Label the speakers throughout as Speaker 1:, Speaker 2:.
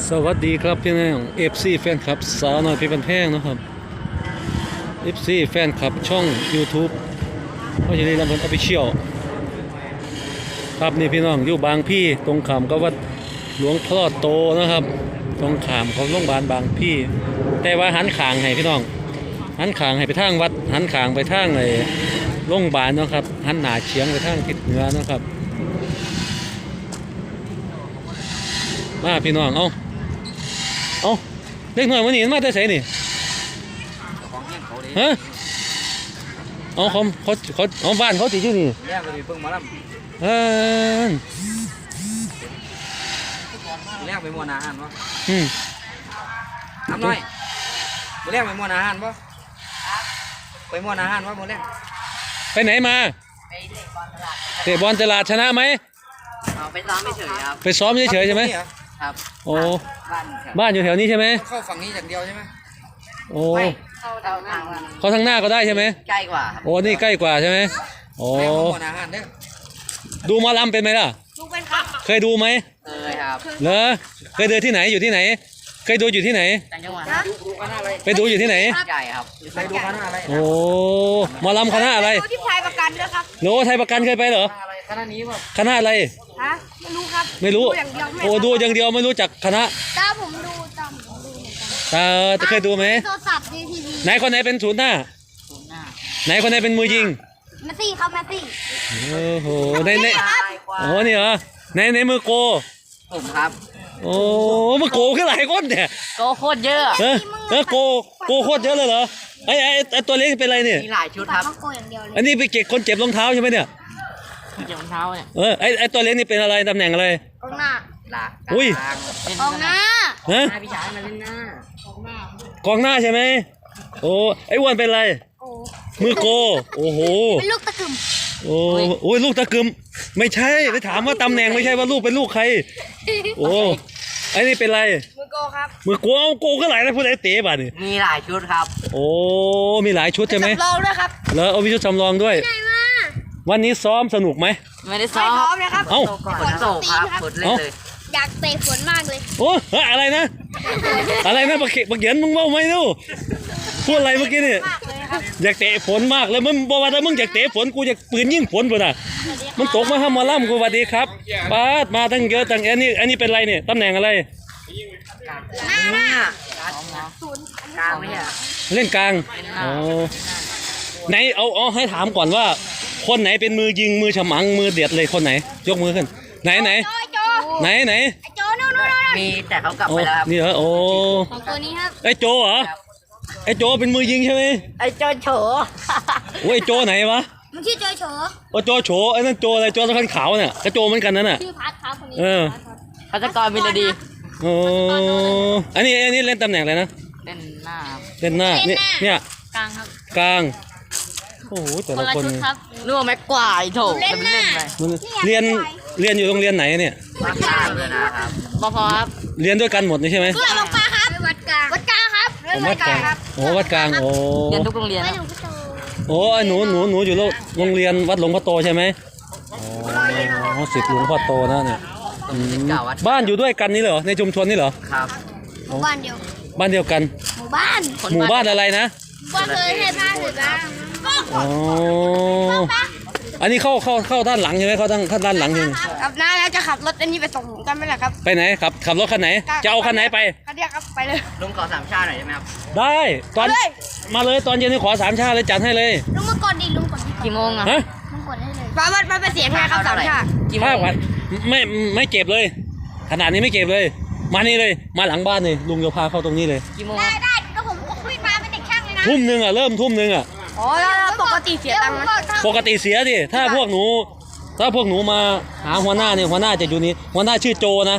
Speaker 1: สวัสดีครับพี่น้อง FC แฟนคลับสาวน้อยเพชรบ้านแพงนะครับ FC แฟนคลับช่อง YouTube พ่อชลีลำพูนออฟฟิเชียลครับนี่พี่น้องอยู่บางพี่ตรงขามกับวัดหลวงพ่อโตนะครับตรงขามของโรงพยาบาลบางพี่แต่ว่าหันขางให้พี่น้องหันขางให้ไปทางวัดหันขางไปทางไอ้โรงพยาบาลนะครับหันหน้าเฉียงไปทางทิศเหนือนะครับมาพี่น้องเอาเล็กหน่อยวันนี้มาแต่ไสนี่ฮะเอาเขาเอาบ้านเขาติดอยู่นี่
Speaker 2: แรกไปเพิ่งมาแล้วแรกไปมวนอาหารปะทำหน่อยมือแรกไปมวนอาหารปะไปมวนอาหารปะมือแรก
Speaker 1: ไปไหนมาเตะบอลตลาดชนะไหม
Speaker 3: ไปซ้อมเฉยครับ
Speaker 1: ไปซ้อมเฉยใช่ไหม
Speaker 3: ครับ
Speaker 1: โอ้บ้านอยู่แถวนี้ใช่ไหม
Speaker 2: เข้าฝั่งนี้อย่างเดียวใช่ไหม
Speaker 1: โอ้
Speaker 3: เข้า
Speaker 1: ทางหน้าก็ได้ใช่ไหม
Speaker 3: ใกล้กว่า
Speaker 1: โอ้นี่ใกล้กว่าใช่ไหมโอ้ดูมาลำเป็นไหมล่ะ
Speaker 3: ดูเป็นครับ
Speaker 1: เคยดูไหม
Speaker 3: เคยครับ
Speaker 1: เหรอเคยเดินที่ไหนอยู่ที่ไหนเคยดูอยู่ที่ไหน
Speaker 3: ต่างจังหวัด
Speaker 1: ไปดูอยู่ที่ไหน
Speaker 3: ใหญ่ครับ
Speaker 2: ไปดูคณะอะไร
Speaker 1: โอ้มาลำคณะอะไร
Speaker 4: ที่ไทยประกันด้วยครับ
Speaker 1: โน้ไทยประกันเคยไปเหรอ
Speaker 2: คณะนี้ป่ะ
Speaker 1: คณะอะไร
Speaker 4: ฮะไม่รู้ครับ
Speaker 1: ไม่รู้โอ้ดูอย่างเดียวไม่รู้จักคณะ
Speaker 4: ตาผมดู
Speaker 1: เคยดูไหม
Speaker 4: โทรศัพท์ดีทีวี
Speaker 1: ไหนคนไหนเป็นศูนย์หน้าไหนคนไหนเป็นมือยิง
Speaker 4: แมสซี่ครับแมสซี่
Speaker 1: โอ้โหในโอ้นี่เหรอในมือโก
Speaker 3: ผมครับ
Speaker 1: โอ้มือโกขึ้นหลายคนเนี่ย
Speaker 3: โกโคตรเยอะ
Speaker 1: โกโคตรเยอะเลยเหรอไอตัวเล็กเป็นไรเนี่ย
Speaker 3: มีหลายชุดครับ
Speaker 1: อันนี้ไปเก็บคนเจ็บรองเท้าใช่ไหมเนี่ย
Speaker 3: เจ็บรองเท้าเนี่ย
Speaker 1: ไอตัวเล็กนี่เป็นอะไรตำแหน่งอะไร
Speaker 4: กองหน้า
Speaker 1: อุ้ย
Speaker 4: กองหน้า
Speaker 1: ฮะ
Speaker 3: พี่ชายมาเล่นหน้าก
Speaker 1: องหน้าใช่ไหมโอ้ไออ้วนเป็นไรมือโกโอ้โห
Speaker 4: เป็นลูกตะกึม
Speaker 1: โอ้ยลูกตะกึมไม่ใช่ไปถามว่าตำแหน่งไม่ใช่ว่าลูกเป็นลูกใครโอ้ไอ้นี่เป็นไร
Speaker 4: มือโกครับ
Speaker 1: มือโกเอาโกก็หลายนะพูดไอ้เต๋บ่ะนี่
Speaker 3: มีหลายชุดครับ
Speaker 1: โอ้มีหลายชุดใช่ไหม
Speaker 4: จำลองด้วยครับ
Speaker 1: แล้วเอามีชุดจำลองด้วยวันนี้ซ้อมสนุกไหม
Speaker 3: ไม่ได้ซ้อม
Speaker 4: นะครับ
Speaker 1: เอ้า
Speaker 3: ฝนตกครับฝนเล่นเลย
Speaker 4: อยากเตะฝนมากเลย
Speaker 1: โอ้อะไรนะบักเขียนมึงว่าไม่รู้พูดอะไรเมื่อกี้นี่อยากเตะฝนมากเลยมึงบอกว่าถ้ามึงอยากเตะฝนกูอยากปืนยิงฝนป่ะน่ะมันตกมาห้ามมาล่ำกูสวัสดีครับป้ามาตั้งเยอะตั้งอันนี้เป็นไรเนี่ยตำแหน่งอะไร
Speaker 3: หน้ากลางไม่ใช่
Speaker 1: เล่นกลางอ๋อไหนเอาให้ถามก่อนว่าคนไหนเป็นมือยิงมือฉมังมือเด็ดเลยคนไหนยกมือขึ้นไหน
Speaker 4: โจนู่น
Speaker 3: มีแต่เขากลับไปแล้วครับ
Speaker 1: นี่เหรอโอ้
Speaker 4: ของตัวนี้ครับ
Speaker 1: ไอโจเหรอไอโจเป็นมือยิงใช่ไหม
Speaker 3: ไอโจโฉ
Speaker 1: โอ้ยโจไหนวะ
Speaker 4: มันชื่อโจโฉ
Speaker 1: โจโฉไอ้นั่นโจอะไรโจตะขันขาวเนี่ยกระโจเหมือนกันนั่นน่ะ
Speaker 4: ชื่อพัดครับคนนี้
Speaker 3: พัชกรมิลดี
Speaker 1: โอ้อันนี้เล่นตำแหน่งอะไรนะ
Speaker 3: เล่นหน้า
Speaker 1: เนี่ย
Speaker 3: กลางครับ
Speaker 1: กลางโอ้โหแต่ละคน
Speaker 3: นึกว่าแม็กกวายโถ
Speaker 4: เล่น
Speaker 1: เรียนอยู่โรงเรียนไหนเนี่ย
Speaker 3: นะครับพอครับ
Speaker 1: เรียนด้วยกันหมดนี่ใช่ไหม
Speaker 4: เพื่อนลงมาครับวัดกลางครับ
Speaker 1: วัดกลางโอ้วัดกลางโอ้
Speaker 3: เรียนทุกโรงเรียน
Speaker 1: โอ้หนูอยู่โรงเรียนวัดหลวงพ่อโตใช่ไหมอ๋อศิษย์หลวงพ่อโตนะเนี่ยบ้านอยู่ด้วยกันนี่เหรอในชุมชนนี่เหรอ
Speaker 3: ครับ
Speaker 4: บ้านเดี
Speaker 1: ยวกัน
Speaker 4: หมู่บ้าน
Speaker 1: อะไรนะ
Speaker 4: บ้านเลยให้บ้านเลยบ้าง
Speaker 1: อ๋ออันนี้เข้าด้านหลังใช่ไหมเข้าด้านหลังใช่ไหม
Speaker 4: ครับน้าแล้วจะขับรถอันนี้ไปส่งผมกันไหมล่ะครับ
Speaker 1: ไปไหนขับรถคันไหนจะเอาคันไหนไป
Speaker 4: คันเดียวครับไปเลย
Speaker 3: ลุงขอ3 ชาหน่อยได้ไหมครับ
Speaker 1: ได้ตอนมาเลยตอนเย็นนี่ขอ3 ชาเลยจัดให้เลย
Speaker 4: ลุงมากดดิลุงกด
Speaker 3: กี่โมงอะ
Speaker 4: ลุงกดได้เลยมันเป็นเสียงไงครับ3 ชา
Speaker 1: กี่โมงไม่เก็บเลยขนาดนี้ไม่เก็บเลยมานี่เลยมาหลังบ้านเลยลุงจะพาเข้าตรงนี้เลย
Speaker 3: กี่โมง
Speaker 4: ได้แล้วผมวิ่งมาเป็นเด็กช่างเลยนะ
Speaker 1: ทุ่มนึงอ่ะเริ่มทุ่มนึงอ่ะ
Speaker 4: อ๋อแล้วปกติเสียตังค์ไหม
Speaker 1: ปกติเสียดิถ้าพวกหนูมาหาหัวหน้าเนี่ยหัวหน้าจะอยู่นี้หัวหน้าชื่อโจนะ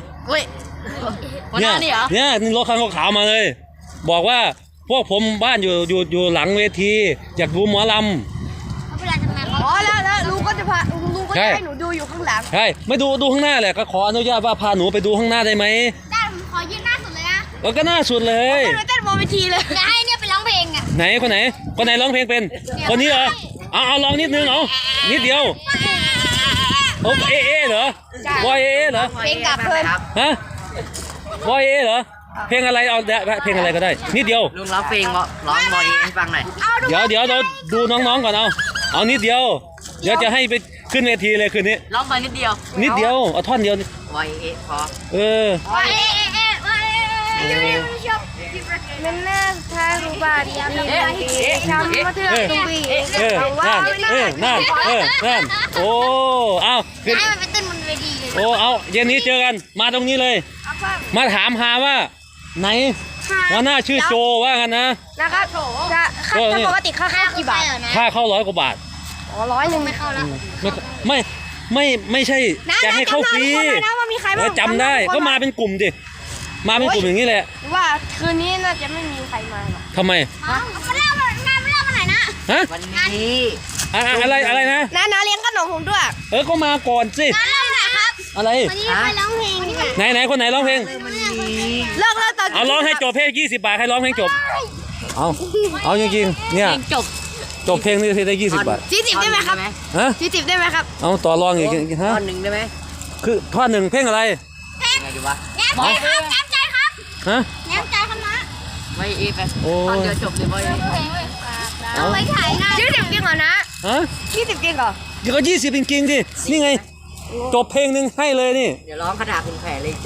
Speaker 1: เนี่ยรถคันขาวมาเลยบอกว่าพวกผมบ้านอยู่หลังเวทีอยากดูหมอล
Speaker 4: ำอ๋อแล้วลุงก็จะพาลุงก็ให้หนูดูอยู่ข้างหลัง
Speaker 1: ใช่ไม่ดูข้างหน้าแหละก็ขออนุญาตว่าพาหนูไปดูข้างหน้าได้ไหม
Speaker 4: ได้ผมขอยืนหน้าสุดเลยนะ
Speaker 1: ก็หน้าสุดเลย
Speaker 4: ไปเต้นบนเวทีเลยจะให้เนี่ยไปร้องเพลงอ่ะ
Speaker 1: ไหนคนไหนร้องเพลงเป็นคนนี้เหรอเอาลองนิดนึงนิดเดียวโอ้เหรอวอยเหรอ
Speaker 4: เพลงกับเพื่อน
Speaker 1: ฮะบอยเอเหรอเพลงอะไรเอาเพลงอะไรก็ได้นิดเดียว
Speaker 3: ลุงร้องเพลงร้องบอยให้ฟังหน่อย
Speaker 1: เดี๋ยวเราดูน้องๆก่อนเอานิดเดียวเดี๋ยวจะให้ไปขึ้นเวทีเลยคืนนี้
Speaker 3: ร้องไปนิดเดียว
Speaker 1: นิดเดียวเอาท่อนเดียวนี่
Speaker 3: บอยพอ
Speaker 1: เออ
Speaker 4: มันน่าทางรูบาดีทำมาเถอะตุ้บี
Speaker 1: นั่นโอ้เอาขึ้น
Speaker 4: ให้มันไปเต้นบนเวทีเลย
Speaker 1: โอ้เอาเย็นนี้เจอกันมาตรงนี้เลย มาถามหาว่าไหนว่าหน้าชื่อโจว่ากันนะ
Speaker 4: นะครับจะปกติค่าเข้ากี่บาท
Speaker 1: ค่าเข้า100 กว่าบาท
Speaker 4: อ๋อ100ไม่เข้าแล้ว
Speaker 1: ไม่ใช่จะให้เข้าฟรี
Speaker 4: นะว่ามีใครบ้าง
Speaker 1: จำได้ก็มาเป็นกลุ่มดิมาเป็นกลุ่มอย่างนี้แหละ
Speaker 4: หรือว่าคืนนี้น่าจะไม่มีใครมาหรอก
Speaker 1: ทำไม
Speaker 4: มันเล่างานมันเล่ามาไหนนะ
Speaker 1: ฮะ
Speaker 3: วันนี้
Speaker 1: อะไรนะ
Speaker 4: น้าเลี้ยงขนมผมด้วย
Speaker 1: ก็มาก่อนสิ
Speaker 4: น้าเล่าไหนครับ
Speaker 1: อะไร
Speaker 4: วันนี้ไปร้องเพลงดีกว่า
Speaker 1: ไหนคนไหนร้องเพลง
Speaker 4: เลิกตอน
Speaker 1: เอาร้องให้จบเพลง20 บาทใครร้องเพลงจบเอาจริงๆเนี่ย
Speaker 3: เพลงจบ
Speaker 1: จบเพลงนี้ได้20 บาท
Speaker 4: 40ได้ไหมครับ
Speaker 1: ฮะ
Speaker 4: 40ได้ไหมครับ
Speaker 1: เอาต่อรองอีกฮะ
Speaker 3: ท่อนหนึ่งได้ไหม
Speaker 1: คือท่อนหนึ่งเพลงอะไร
Speaker 3: ยังไงดีวะ
Speaker 4: แง้มใจครับแง้มใจครับ
Speaker 1: ฮะ
Speaker 4: แง้มใจครับนะ
Speaker 3: บอยไป
Speaker 1: โอ้
Speaker 3: ท่อนเดียวจบเลยบอย
Speaker 4: เอาไว้ถ่ายนะ20จริงเหรอนะ
Speaker 1: ฮะ
Speaker 4: 20จริงเหรอ
Speaker 1: เดี๋ยวก็20จริงๆดินี่ไงจบเพลงหนึ่งให้เลยนี่
Speaker 3: เดี๋ยวร้องคาถาคุณแผลเลย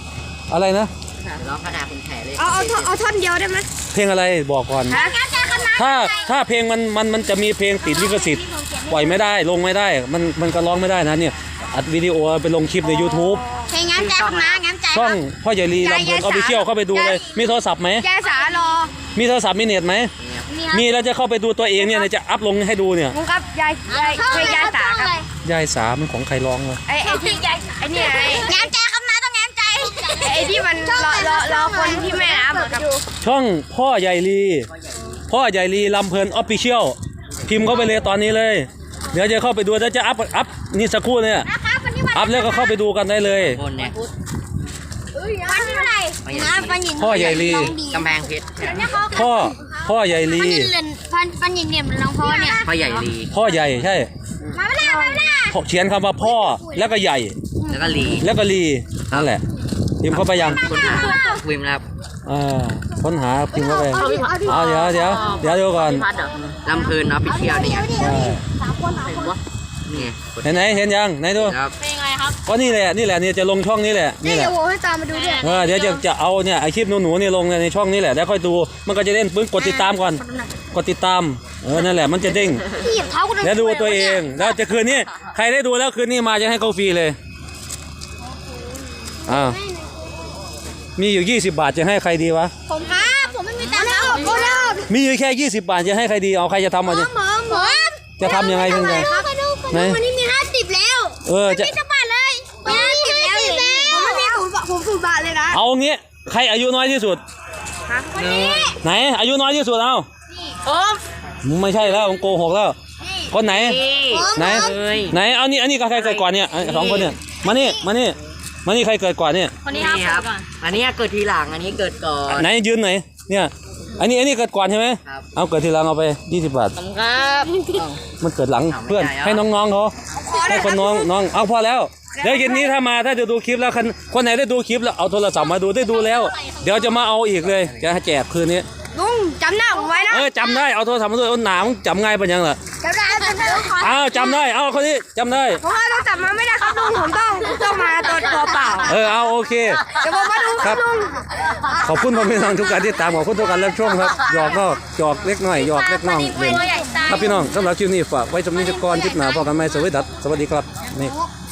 Speaker 3: 40
Speaker 1: อะไรนะ
Speaker 3: เดี๋ยวร้องคาถาคุณแผลเลย
Speaker 4: เอาท่อนเดียวได้ไหม
Speaker 1: เพลงอะไรบอกก่อน
Speaker 4: แง้มใจครับนะ
Speaker 1: ถ้าเพลงมันจะมีเพลงติดลิขสิทธิ์ปล่อยไม่ได้ลงไม่ได้มันก็ร้องไม่ได้นะเนี่ยอัดวิดีโอไปลงคลิปใน YouTube
Speaker 4: เพลงแง้มใจครับนะแง้มใจ
Speaker 1: ช่องพ่อใหญ่ลีลำเพลินออฟฟิเชียลเข้าไปดูเลยมีโทรศัพท์ไหม
Speaker 4: แกสารอ
Speaker 1: มีโทรศัพท์มีเน็ตไหมมีแล้วจะเข้าไปดูตัวเองเนี่ยจะอัพลงให้ดูเนี่ย
Speaker 4: ลุงครับยายเพลงยายสาครับ
Speaker 1: ยายสามันของใครร้องวะ
Speaker 4: ไอ้ที่ยายไอ้เนี่ยแง้มใจครับนะต้องแง้มใจไอ้ที่มันรอคนที่แม่น้ำเหมือนกับ
Speaker 1: ช่องพ่อใหญ่ลีลำเพลินออฟฟิเชียลพิมพ์เข้าไปเลยตอนนี้เลย เดี๋ยวจะเข้าไปดูแล้วจะอัพนี่สักครู่เนี่ย
Speaker 4: นะครับวันนี้วัน
Speaker 1: อัพแล้วก็เข้าไปดูกันได้เลย
Speaker 3: บนเนี่ย
Speaker 4: วันที่เท่าไหร่นะปันหยิน
Speaker 1: พ่อใหญ่ลี
Speaker 3: กำแพงเพชร
Speaker 1: พ่อใหญ่ลี
Speaker 4: ปันหยินเรียนปันหยินเนี่ยมันร้องพ่อเนี่ย
Speaker 3: พ่อใหญ่ลี
Speaker 1: พ่อใหญ่ใช่
Speaker 4: มาไม่ได้มาไม่ได้
Speaker 1: เขียนคำว่าพ่อแล้วก็ใหญ่
Speaker 3: แล้วก็ลี
Speaker 1: แล้วก็ลีนั่นแหละพิมพ์เข้าไปยัง
Speaker 3: คุณหาวิมครับ
Speaker 1: ค้นหาพิมพ์เข้าไปเดี๋ยวดูก่อน
Speaker 3: ลำเพลินออฟฟิเชียลนี่ไง
Speaker 1: ใช่
Speaker 3: นี่ไงกด
Speaker 1: เห็นไหนเห็นยังไหนดู
Speaker 3: ครับ
Speaker 4: เป็นไงครับ
Speaker 1: ก็นี่แหละเนี่ยจะลงช่องนี้แหละนี่แห
Speaker 4: เดี๋
Speaker 1: ละ
Speaker 4: ยวโว้ให้ตามมาดูด้วย
Speaker 1: เดี๋ยวจะเอาเนี่ยไอคลิปหนูเนี่ยลงในช่องนี้แหละแล้วค่อยดูมันก็จะเด้งปึ้งกดติดตามก่อนกดติดตามนั่นแหละมันจะเด้ง
Speaker 4: พี่หยิบเท้ากู
Speaker 1: แล้วดูตัวเองแล้วจะคืนนี้ใครได้ดูแล้วคืนนี้มาจะให้เขาฟรีเลยมีอยู่20 บาทจะให้ใครดีวะ
Speaker 4: ผมครับผมไม่มีตังค์แล้วผมก็แล้ว
Speaker 1: มีอยู่แค่20 บาทจะให้ใครดีเอาใครจะทำมาจะ
Speaker 4: ผม
Speaker 1: จะทำยังไงยังไง ไหน
Speaker 4: วันนี้มี50แล้ว
Speaker 1: จะ
Speaker 4: มีจะบาทเลยมี50แล้วผมสูบบาทเลยนะ
Speaker 1: เอางี้ใครอายุน้อยที่สุด
Speaker 4: วันนี้
Speaker 1: ไหนอายุน้อยที่สุดเอา
Speaker 4: ผม
Speaker 1: ไม่ใช่แล้วผมโกหกแล้วคนไหน ไหน
Speaker 3: เอ้ย
Speaker 1: ไหนเอานี่อันนี้ใครเกิดก่อนเนี่ยสองคนเนี่ยมานี่ใครเกิดก่อนเนี่ย
Speaker 3: คนนี้ครับ อันนี้เกิดทีหลัง อันนี้เกิดก่อน
Speaker 1: ไหนยืนไหนเนี่ยอันนี้เกิดก่อนใช่ไหม
Speaker 3: ครับ
Speaker 1: เอาเกิดทีหลังเอาไป20 บาท
Speaker 3: ครับ
Speaker 1: มันเกิดหลัง
Speaker 3: เอาไม่
Speaker 1: เพื่อน
Speaker 3: ได้อะ
Speaker 1: ให้น้องๆเขาให้คนน้องเอาพอแล้วเดี๋ยวเย็นนี้ถ้าจะดูคลิปแล้วคนไหนได้ดูคลิปแล้วเอาโทรศัพท์มาดูได้ดูแล้ว เดี๋ยวจะมาเอาอีกเลยจะแจกคืนนี้
Speaker 4: ลุงจำหน้าผมไว้นะ
Speaker 1: จำได้เอาโทรศัพท์มาด้วยหนามึงจำง่ายปะยังล่ะ
Speaker 4: จำได้
Speaker 1: จำได้เอาคนนี้จำได้
Speaker 4: เพราะว่าเราจับมาไม่ได้ครับลุงผมต้องมาตัวเปล่า
Speaker 1: เอาโอเค
Speaker 4: เดี๋ยวผมมาดูครับลุง
Speaker 1: ขอบคุณพ่อแม่น้องทุกการที่ตามขอบคุณทุกการรับชมครับหยอกก็หยอกเล็กน้อยหยอกเล็กน้องเล่นครับพี่น้องสำหรับคลิปนี้ฝากไว้สำนึกก่อนคลิปหน้าพบกันใหม่สวัสดีครับนี่